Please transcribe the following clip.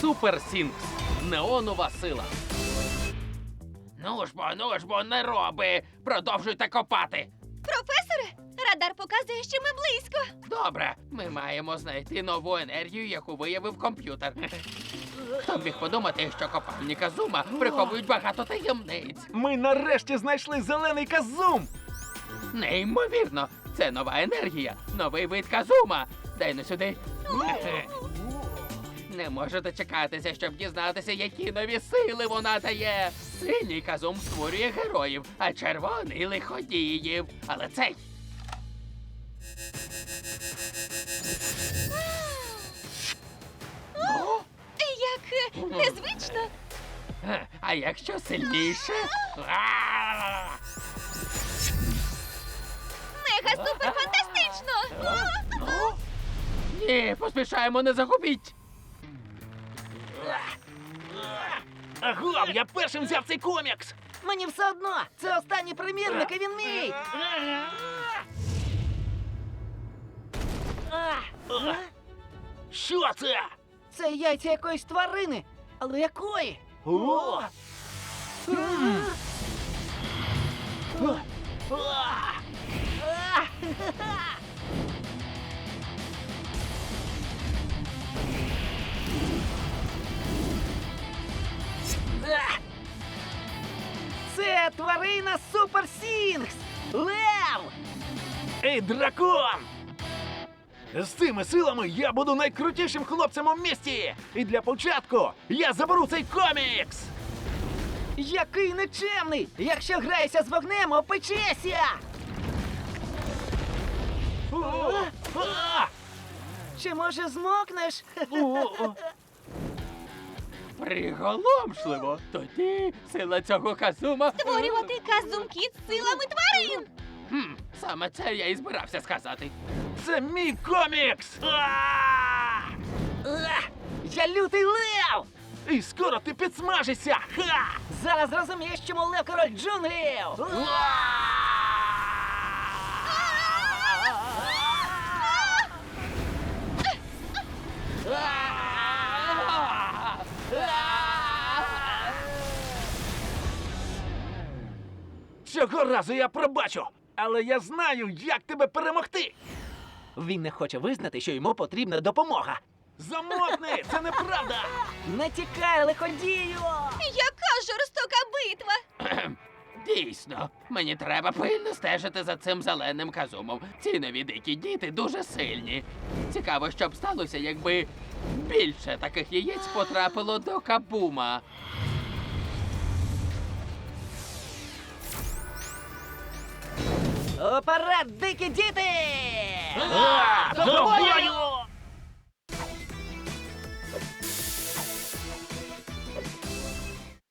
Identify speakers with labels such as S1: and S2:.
S1: Супер Сінкс. Неонова сила. Ну ж бо, не роби! Продовжуйте копати!
S2: Професоре, радар показує, що ми близько.
S1: Добре, ми маємо знайти нову енергію, яку виявив комп'ютер. Хто б міг подумати, що копальні Казума приховують багато таємниць?
S3: Ми нарешті знайшли зелений казум!
S1: Неймовірно! Це нова енергія, новий вид Казума. Дай ну сюди. Не можу дочекатися, щоб дізнатися, які нові сили вона дає. Синій Казум створює героїв, а червоний лиходіїв. Але цей... О!
S2: Як незвично.
S1: А якщо сильніше? А!
S2: Мега супер фантастично.
S1: О! Ні, поспішаємо, не загубіть.
S3: Агов, я першим взяв цей комікс!
S4: Мені все одно! Це останній примірник, і він мій!
S3: Що це?
S4: Це яйця якоїсь тварини. Але якої?
S3: О!
S4: Це тварина Супер Сінгс! Лев!
S3: Ей, дракон! З цими силами я буду найкрутішим хлопцем у місті! І для початку я заберу цей комікс!
S4: Який нечемний! Якщо граєшся з вогнем, опечешся! Чи може змокнеш?
S1: Приголомшливо. Тоді сила цього Казума...
S2: Створювати казумки з силами тварин.
S1: Саме це я і збирався сказати.
S3: Це мій комікс!
S4: Я лютий лев!
S3: І скоро ти підсмажишся! Ха!
S4: Зараз зрозумієш, чому лев король джунглів!
S3: Цього разу я пробачу, але я знаю, як тебе перемогти!
S4: Він не хоче визнати, що йому потрібна допомога.
S3: Замовкни! Це неправда!
S4: Не тікай, лиходію!
S2: Яка жорстока битва.
S1: Дійсно, мені треба пильно стежити за цим зеленим Казумом. Ці нові дикі діти дуже сильні. Цікаво, що б сталося, якби більше таких яєць потрапило до Кабума.
S4: Уперед, дикі діти!
S3: До бою!